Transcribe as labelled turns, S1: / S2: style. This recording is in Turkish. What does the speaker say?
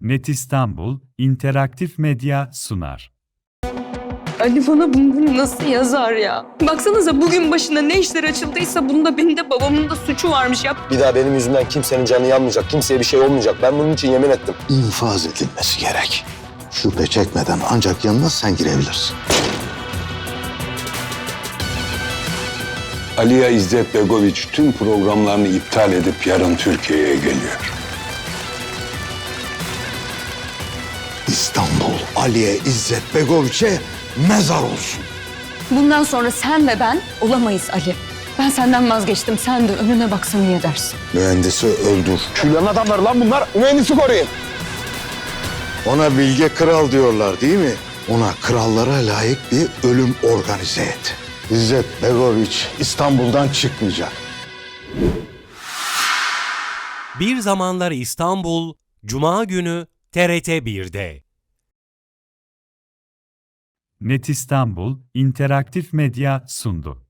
S1: Net İstanbul İnteraktif Medya sunar.
S2: Ali bana bunu nasıl yazar ya? Baksanıza bugün başına ne işler açıldıysa bunda benim de babamın da suçu varmış ya.
S3: Bir daha benim yüzümden kimsenin canı yanmayacak, kimseye bir şey olmayacak. Ben bunun için yemin ettim.
S4: İnfaz edilmesi gerek. Şüphe çekmeden ancak yanına sen girebilirsin.
S5: Aliya İzzet Begoviç tüm programlarını iptal edip yarın Türkiye'ye geliyor.
S4: İstanbul Aliye İzzet Begoviç'e mezar olsun.
S2: Bundan sonra sen ve ben olamayız Ali. Ben senden vazgeçtim. Sen de önüne baksan iyi edersin.
S4: Mühendisi öldür.
S3: Küllerin adamları lan bunlar. Mühendisi koruyun.
S4: Ona bilge kral diyorlar değil mi? Ona krallara layık bir ölüm organize et. İzzet Begoviç İstanbul'dan çıkmayacak.
S6: Bir Zamanlar İstanbul, Cuma günü TRT 1'de.
S1: Net İstanbul İnteraktif Medya sundu.